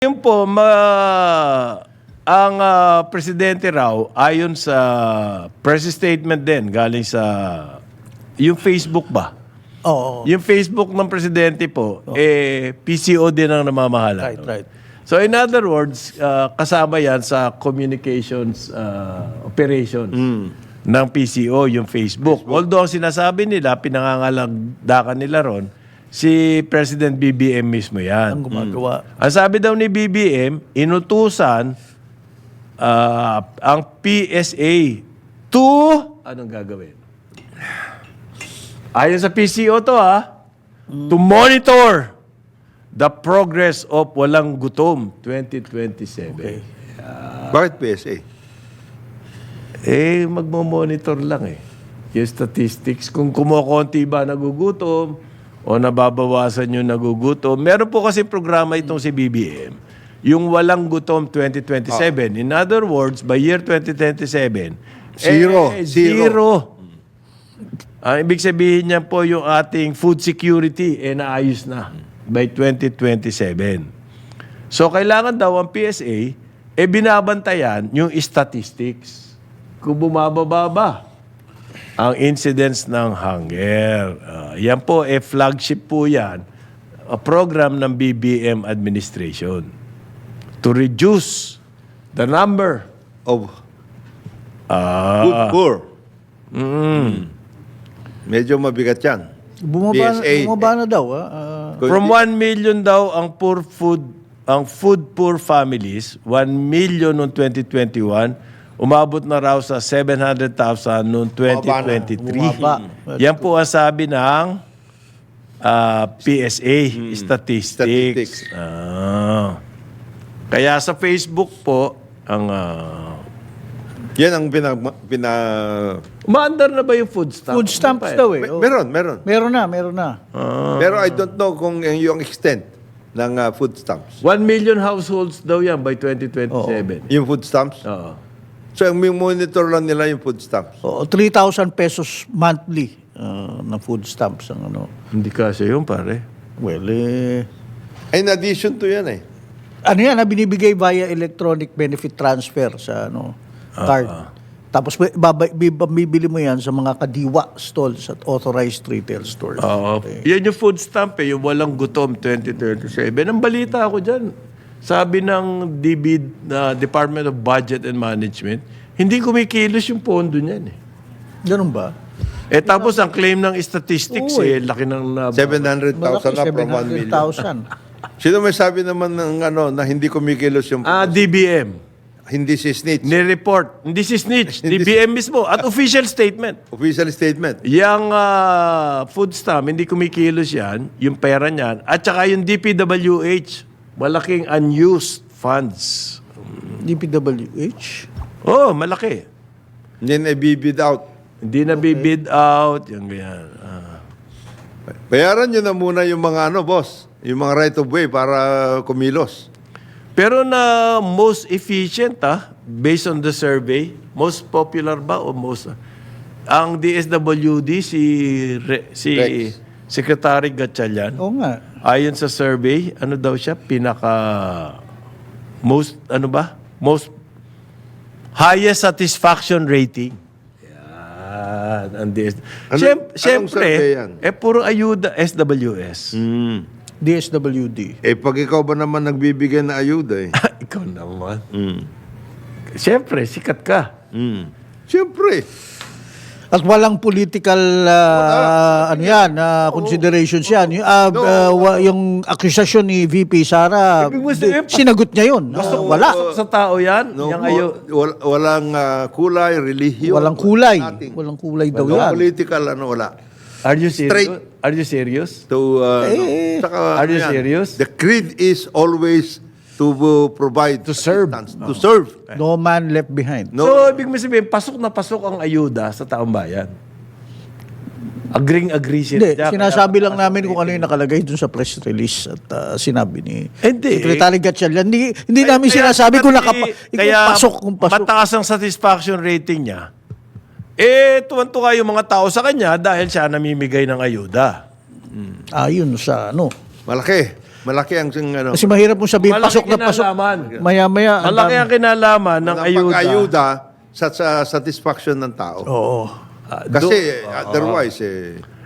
Yun po, ang presidente raw, ayon sa press statement din, galing sa yung Facebook ba? Oo. Yung Facebook ng presidente po, PCO din ang namamahala. Right. So in other words, kasama yan sa communications operations ng PCO, yung Facebook. Although ang sinasabi nila, pinangangalagdakan nila ron, si President BBM mismo yan. Ang gumagawa. Ang sabi daw ni BBM, inutusan ang PSA to, anong gagawin? Ayon sa PCO to to monitor the progress of Walang Gutom 2027. Okay. Bakit PSA? Magmo-monitor lang yung statistics. Kung kumukonti ba nagugutom, o nababawasan yung nagugutom. Meron po kasi programa itong si BBM, yung Walang Gutom 2027. In other words, by year 2027, zero. Ang ibig sabihin niya po yung ating food security, naayos na by 2027. So, kailangan daw ang PSA, binabantayan yung statistics. Kung bumababa ba ang incidence ng hunger. Yan po, flagship po yan, a program ng BBM administration to reduce the number Of food poor. Medyo mabigat yan. Bumaba na daw. from 1 million daw ang food poor families, 1 million noong 2021, umabot na raw sa 700,000 noong 2023. Bumaba. Yan po ang sabi ng PSA Statistics. Kaya sa Facebook po, ang Yan ang umaandar na ba yung food stamps? Food stamps daw eh. Meron. Meron na. Pero I don't know kung yung extent ng food stamps. 1 million households daw yan by 2027. Yung food stamps? Oo. So, ang monitor lang nila yung food stamps. Oo, 3,000 pesos monthly na food stamps ang ano. Hindi kasi yun, pare. Well, In addition to yan ano yan, binibigay via electronic benefit transfer sa card. Tapos bibili mo yan sa mga kadiwa stalls at authorized retail stores. Oo. Yan yung food stamp yung Walang Gutom 2037. Ang balita ako dyan, sabi ng Department of Budget and Management, hindi kumikilos yung pondo niyan Ganun ba? Tapos ang claim ng statistics, laki ng 700,000 na from 1 million. 700,000. Sino may sabi naman ng na hindi kumikilos yung DBM. hindi si snitch? Ni-report. Hindi si snitch. DBM mismo. At official statement. Official statement. Yang food stamp, hindi kumikilos yan, yung pera niyan. At saka yung DPWH, malaking unused funds. DPWH? Malaki. Hindi na bibid out. Hindi na bibid out. Yung ganyan. Bayaran nyo na muna yung mga boss. Yung mga right of way para kumilos. Pero na most efficient, based on the survey, most popular ba o most... ang DSWD, si Rex. Secretary Gatchalian, Oo nga. ayon sa survey, ano daw siya, most highest satisfaction rating. Yan, ang Anong Siyempre, survey yan? puro ayuda, SWS. DSWD. Pag ikaw ba naman nagbibigay na ayuda Ikaw naman. Siyempre, sikat ka. Siyempre. At walang political considerations yan. Yung akusasyon ni VP Sara, Ibig mo sabihin, sinagot niya yun. Wala. Sa tao yan. Walang kulay, relihiyon. Walang kulay. Nothing. Walang kulay daw No yan. political, wala. Are you serious? Straight. Are you serious? To, Are you serious? The creed is always to provide To serve. assistance. To serve. No man left behind. No. So, ibig mo sabihin, pasok na pasok ang ayuda sa taong bayan. Agree sila. Hindi, sinasabi lang namin kung ano yung nakalagay dun sa press release at sinabi ni Hindi. Secretary Gatchalian. Hindi namin sinasabi kung pasok. Mataas ang satisfaction rating niya. Tuwan-tuwa yung mga tao sa kanya dahil siya namimigay ng ayuda. Ayun sa ano. Malaki. Malaki ang ano. Kasi mahirap mong sabihin, Malaki pasok na pasok. kinalaman. Maya-maya. ang Malaki dami. ang kinalaman ng ayuda. Pag-ayuda sa satisfaction ng tao. Oo. Kasi otherwise,